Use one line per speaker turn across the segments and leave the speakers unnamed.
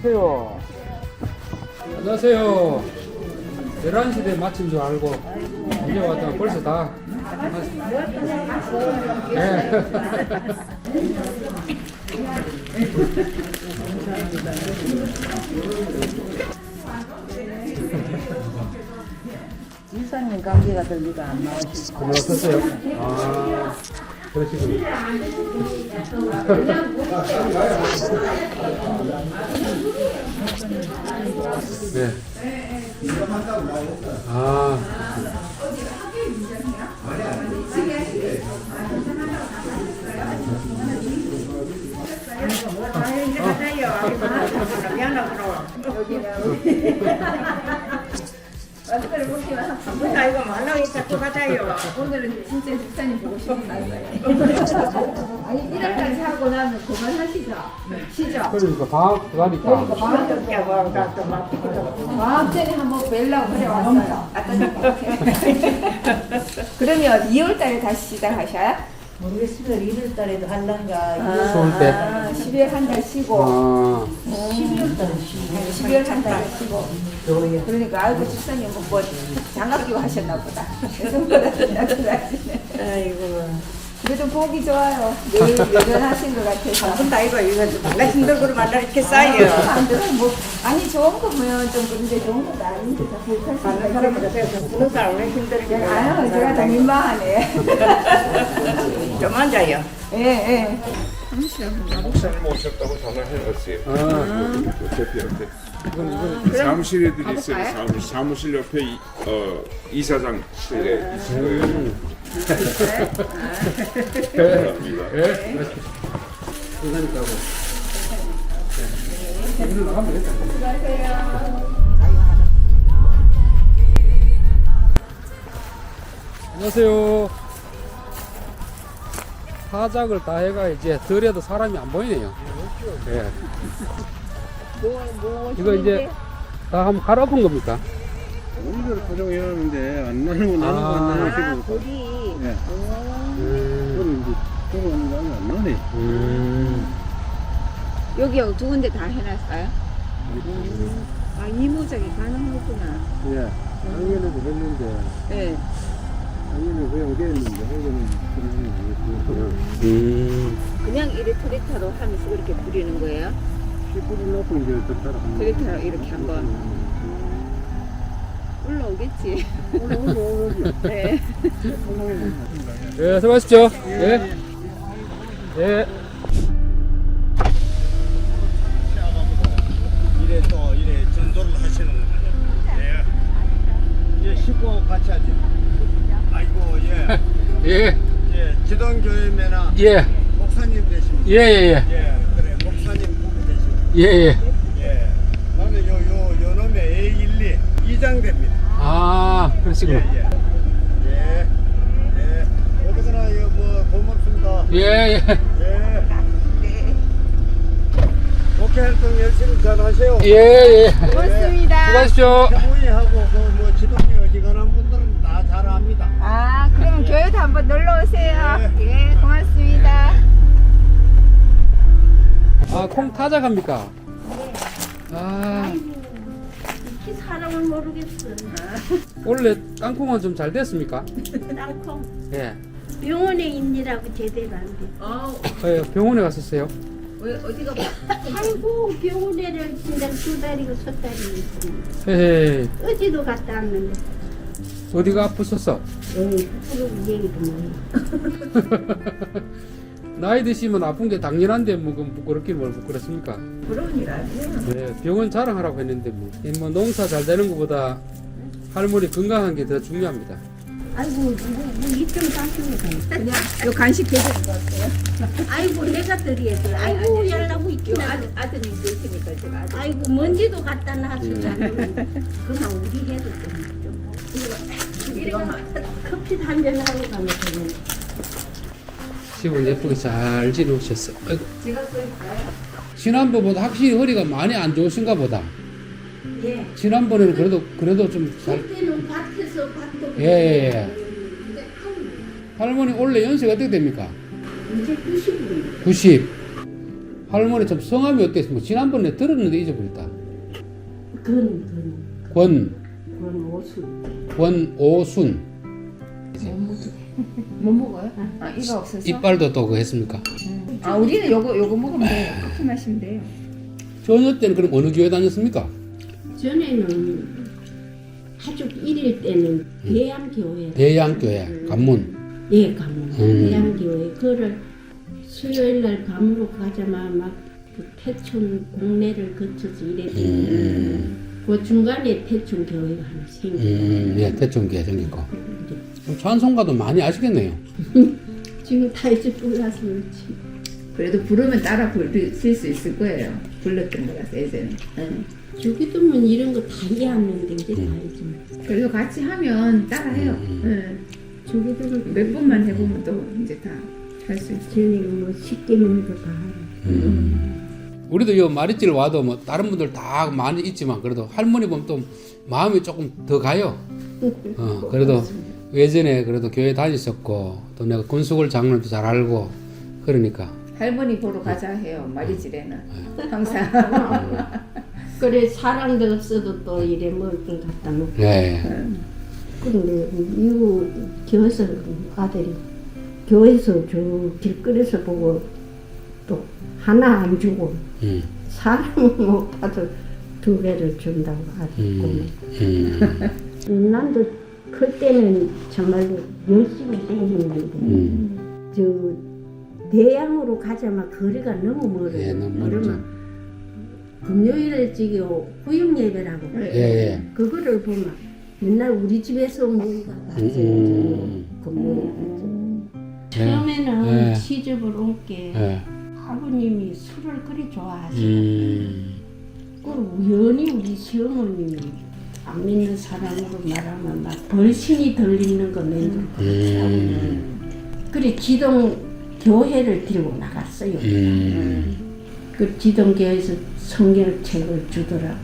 안녕하세요. 안녕하세요. 11시대 마친 줄 알고 이제 왔다 벌써 다. 네.
이사님 감기가 들리가 안 나오시고.
그럼 어떠세요? 아, 그러시군요. 네. 아.
이거 말라고 자꾸 가자요. 오늘은 진짜 집사님 보고 싶은 날이에요. 아니 1월까지 하고 나면 그만하시죠. 쉬죠.
그러니까 방학 가니까.
방학 전에 한번 뵈려고 그래 왔어요. 그러면 2월달에 다시 시작하셔요?
모르겠습니다. 1월 달에도 할란가.
추울 때.
12월 한 달 쉬고.
아.
12월 달에 쉬고.
12월 한 달 쉬고. 그러니까 아이고 집사님 뭐 장갑 끼고 하셨나 보다.
아이고.
그래도 보기 좋아요. 내일 여전하신 것 같아서.
근데 아이고 이거 맨날 힘들고 만날 이렇게 쌓여.
뭐 아니 좋은 거 보면 좀 그런데 좋은 것도 아닌데 다 불편한
많은 사람들 그래서 부는 사람 왜 힘들게.
아유 제가 더 민망하네.
좀 앉아요.
예 예.
목사님 오셨다고 전화해봤어요. 대표한테. 사무실에 드렸어요. 사무실 옆에 이사장실에 있을 거예요.
예? 그러니까고. 이리로 가면 되겠다. 안녕하세요. 사작을 다 해가 이제 덜해도 사람이 안 보이네요. 예. 이거 이제 다 한번 갈아엎은 겁니까?
우리들 포장해놨는데 안 나는 거 나는 거 안 나는 거
고기.
예. 그럼 이제 저거 안 나네.
여기 두 군데 다 해놨어요? 아 이모작이 가능하구나.
예. 작년에도 했는데
네.
작년에 왜 어디 했는데 올해는 그런 건 아니었고
그냥 이렇게 트랙터로 하면서 그렇게 뿌리는 거예요?
씨뿌리 놓고 이제 또 따라 하는
트랙터로 이렇게 한번 올라오겠지.
오늘
네.
예, 수고하십시오. 예. 예.
이래 또 이래 전도를 하시는 거예요. 예. 예, 식구 같이 하죠. 아이고 예.
예.
예, 지동교회매나
예.
목사님 되십니다.
예, 예, 예.
예, 그래 목사님 부부 되십니다.
예, 예.
예. 나는 요 놈의 A12 이장 됩니다.
아, 그러시구나.
예. 예. 예. 어디거나 뭐 고맙습니다.
예, 예.
예. 목회 활동 열심히 잘 하세요.
예, 예.
고맙습니다.
수고하십시오.
교회하고 뭐 지도교 어지간한 분들은 다 잘합니다.
아, 그럼 교회도 한번 놀러 오세요. 예, 고맙습니다.
아, 콩 타작합니까? 아,
사람을 모르겠어.
원래 땅콩은 좀 잘 됐습니까?
땅콩
예.
병원에 있느라고 제대로 안 돼.
병원에 갔었어요.
어디가
아이고 병원에를 진짜 2달이고 3달이 있어.
헤헤.
어제도 갔다 왔는데.
어디가 아프셨어?
그러고 얘기도 못해.
나이 드시면 아픈 게 당연한데 뭐 부끄럽긴 뭘 부끄럽습니까?
부러운 일 아니에요?
네, 병원 자랑하라고 했는데 뭐 농사 잘 되는 것보다 할머니 건강한 게 더 중요합니다.
아이고 이좀 사시면
그냥 요 간식 해주는 거 같아요.
아이고 내가 드려야 돼. 아이고 yar라고 있긴 하고.
아드님도 있으니까 제가 아드님.
아이고 먼지도 갖다 놔주잖아. 그냥 우리 해도 좀. 이거 커피 한 잔 하고 가면 되는.
집을 예쁘게 잘 지내오셨어. 아이고.
제가 쏠까요?
지난번보다 확실히 허리가 많이 안 좋으신가 보다.
예.
지난번에는 그래도 좀 잘.
그때는 밭에서 밭도.
예, 예, 예. 할머니 원래 연세가 어떻게 됩니까?
이제 90이.
90. 할머니 참 성함이 어땠어? 뭐 지난번에 들었는데 잊어버렸다. 권오순.
못 먹어요? 아, 이가 없어서?
이빨도 또 그거 했습니까?
아, 우리는 요거 먹으면 돼요. 커피 마시면 돼요.
전혀 때는 그럼 어느 교회 다녔습니까?
전에는 가족 1일 때는 대양교회.
대양교회 관문.
예, 가문. 대양교회. 그거를 수요일 날 감으로 가자마자 막그 태촌 공례를 거쳐서 이랬는데 그 중간에 태촌 교회가 하나 생겼어요.
예, 대충교회 생긴 거. 그럼 찬송가도 많이 아시겠네요.
지금 다 이제 불러서 그렇지.
그래도 부르면 따라 부를 수 있을 거예요. 불렀던 거라서 예전에.
주기도면 이런 거 다 이해하는데 이제 다 이제
그래도 같이 하면 따라해요.
주기도를
몇 번만 해보면 또 이제 다 할 수 있어요.
저는 뭐 쉽게 믿는 거다 알아.
우리도 요 마리길 와도 뭐 다른 분들 다 많이 있지만 그래도 할머니 보면 또 마음이 조금 더 가요. 그래도 예전에 그래도 교회 다녔었고 또 내가 군수골 장로도 잘 알고 그러니까.
할머니 보러 가자 해요. 마리질에는 항상.
그래 사람도 없어도 또 이래 먹을 걸 갖다 놓고.
네.
근데 이거 교회에서 아들이 교회에서 저 길거리에서 보고 또 하나 안 주고 사람은 못 봐도 2개를 준다고 하고. 난도 그때는 정말로 열심히 다니는데 저 대양으로 가자마 거리가 너무 멀어요.
예, 너무 멀죠.
그러면 금요일에 저기 후육 예배라고
예.
그거를 보면 맨날 우리 집에서 모이가 갔어요. 금요일에. 처음에는
예.
시집을 온 게 아버님이 술을 그리 좋아하시고 그 우연히 우리 시어머님이 안 믿는 사람으로 말하면 막 벌신이 들리는 거 맨날 그래 지동 교회를 들고 나갔어요. 그 지동교회에서 성경책을 주더라고.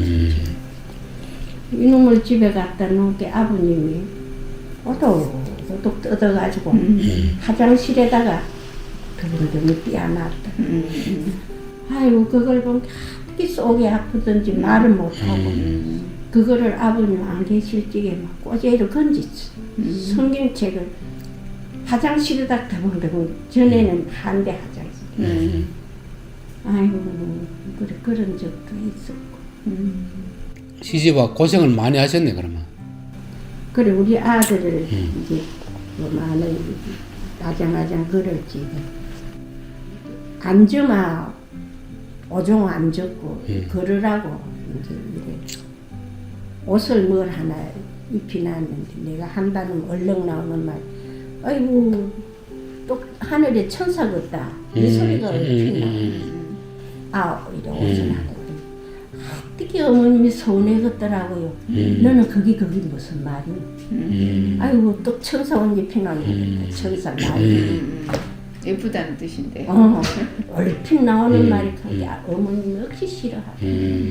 이놈을 집에 갖다 놓은 게 아버님이 오독오독 뜯어가지고 화장실에다가 두근두근 띄어놨다. 아이고 그걸 보면 어떻게 속이 아프든지 말을 못하고 그거를 아버님 안 계실 적에 막 꼬재로 건졌어. 성경책을 화장실에다 더벙더벙 전에는 한 대 화장실. 아이고 그래 그런 적도 있었고.
시집와 고생을 많이 하셨네 그러면.
그래 우리 아들을 이제 뭐 많은 아장아장 그랬지. 앉으마 오종 안 젖고 걸으라고 이제 이래 옷을 뭘 하나 입히놨는데 내가 한다는 얼렁 나오는 말. 아이고 또 하늘에 천사 같다 이 소리가 얼핏 나. 이래 옷을 하고 어떻게 어머님이 서운해 겠더라고요. 너는 그게 무슨 말이? 아이고 또 천사 옷 입히놨는데 천사 말이
예쁘다는 뜻인데.
얼핏 나오는 말이 그게 어머님이 역시 싫어하고.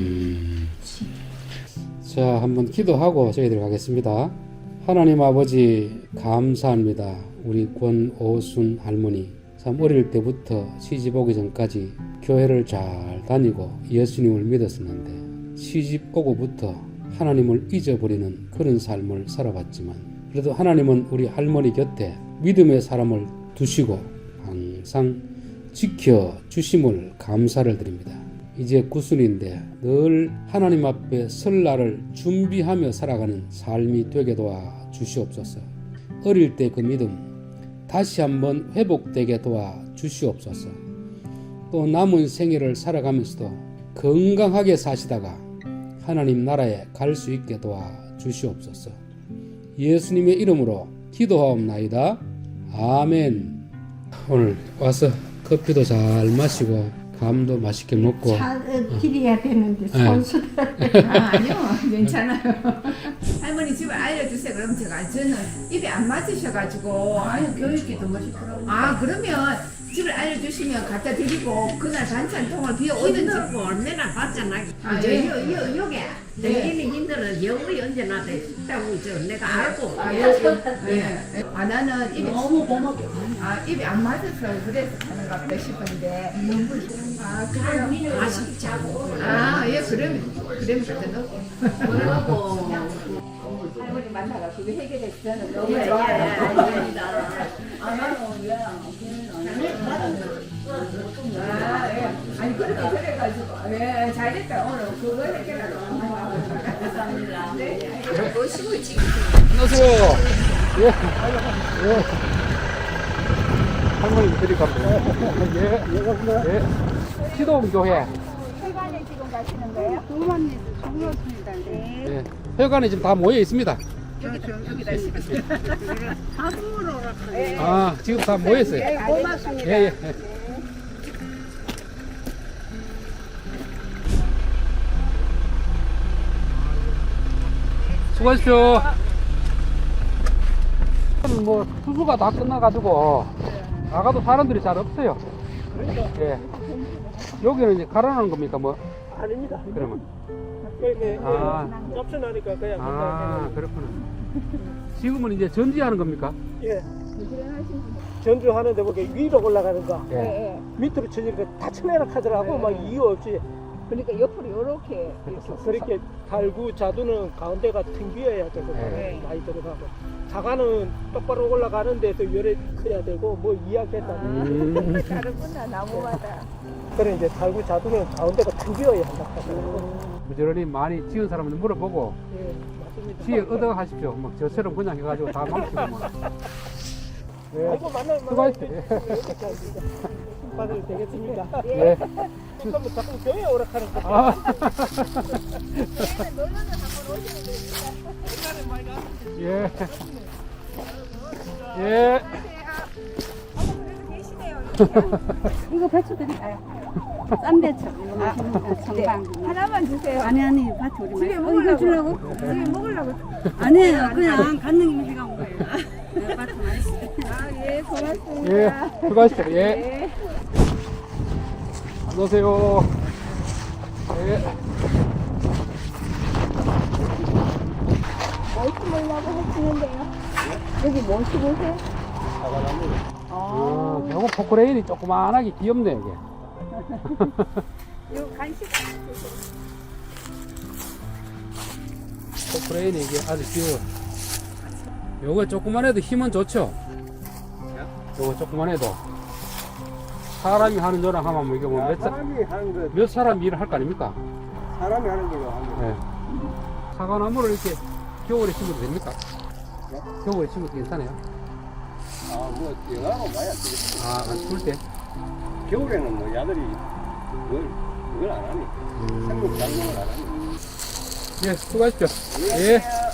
자, 한번 기도하고 저희들 가겠습니다. 하나님 아버지 감사합니다. 우리 권오순 할머니 참 어릴 때부터 시집 오기 전까지 교회를 잘 다니고 예수님을 믿었었는데 시집 오고부터 하나님을 잊어버리는 그런 삶을 살아봤지만 그래도 하나님은 우리 할머니 곁에 믿음의 사람을 두시고 항상 지켜주심을 감사를 드립니다. 이제 9순인데 늘 하나님 앞에 설날을 준비하며 살아가는 삶이 되게 도와 주시옵소서. 어릴 때 그 믿음 다시 한번 회복되게 도와 주시옵소서. 또 남은 생애를 살아가면서도 건강하게 사시다가 하나님 나라에 갈 수 있게 도와 주시옵소서. 예수님의 이름으로 기도하옵나이다. 아멘. 오늘 와서 커피도 잘 마시고 감도 맛있게 먹고
차 길이야 되는데 손수를
아니요 괜찮아요. 할머니 집을 알려주세요. 그럼 저는 입에 안 맞으셔가지고
아유 교육이 너무 시끄러워.
그러면 집을 알려주시면 갖다 드리고 그날 반찬통을 비워 오든지.
힘들고 얼마나 봤잖아.
아,
저
예.
여기 내기는 힘들어. 영어이 언제나 있다고 저 내가 알고.
예. 아 나는 입이 너무 고맙게. 아 입이 안 맞아서 그래서 하는 것 같다 싶은데. 아 그래요.
맛있게 자고.
아예 그럼 그때 넣고.
그러고
할머니 만나가 그게 해결됐어. 저는 너무
예,
좋아요.
예, 아닙니다.
아, 예. 아니 그렇게 그래가지고 예 잘됐다 오늘 그거 해결하러 감사합니다. 네.
안녕하세요. 예. 예. 할머니 드릴 겁니다. 예. 예. 시동교회.
회관에 지금 가시는 거예요?
고맙습니다. 네.
예. 회관에 지금 다 모여 있습니다.
여기다 있어요.
아, 지금 다 모여 있어요.
예, 고맙습니다.
예, 예. 수고하십시오. 뭐 수수가 다 끝나가지고 나가도 사람들이 잘 없어요. 예. 여기는 이제 갈아놓은 겁니까 뭐?
아닙니다.
그러면.
이렇게
아.
짭짤하니까 그냥
아, 그렇구나. 지금은 이제 전지하는 겁니까?
예. 전주하는데 뭐 이렇게 위로 올라가는 거
예.
밑으로 쳐지니까 다 쳐내라 하더라고 막 이유 없이
그러니까 옆으로 요렇게
그렇게 달구 자두는 가운데가 튕겨야 되고
네.
많이 들어가고 자가는 똑바로 올라가는 데서 열에 커야 되고 뭐 이야기했다는
다르구나 나무마다.
그래 이제 달구 자두는 가운데가 튕겨야 한다 하더라고.
부지런히 많이 지은 사람한테 물어보고
예, 맞습니다.
지혜 얻어 하십시오. 막 저처럼 그냥 해가지고 다 망치고 막. 네.
아이고 만나
수고하십시오.
받아도 되겠습니까?
예.
잠깐만 자꾸 교회 오락하는 거.
아. 예. 예.
이거 배추 드릴까요? 싼 배추. 이거 맛있는 거 정방.
하나만 주세요.
아니 밭 우리
집에
이거
먹으려고.
주려고?
집에 먹으려고.
아니에요. 그냥 갖는 김에 제가 온 거예요. 네, 밭 맛있어요.
아예 고맙습니다.
예. 수고하십시오. 예.
네.
안녕하세요. 예.
뭐 심으려고 하시는데요? 여기 뭐 심으세요?
아, 요거 포크레인이 조그만하게 귀엽네, 이게.
요 간식.
포크레인이 이게 아주 귀여워. 요거 조그만 해도 힘은 좋죠? 요거 조그만 해도. 사람이 하는 거랑 하면 뭐 이게 뭐
사람이 하는 거
몇 사람 일을 할 거 아닙니까?
사람이 하는 거요.
예. 사과나무를 이렇게 겨울에 심어도 됩니까? 겨울에 심어도 괜찮아요?
아뭐 영화로 봐야 돼.
아, 안 추울 때?
겨울에는 뭐 야들이 그걸 안 하니. 생국 작용을 안 하니.
예, 수고하십시오. 예.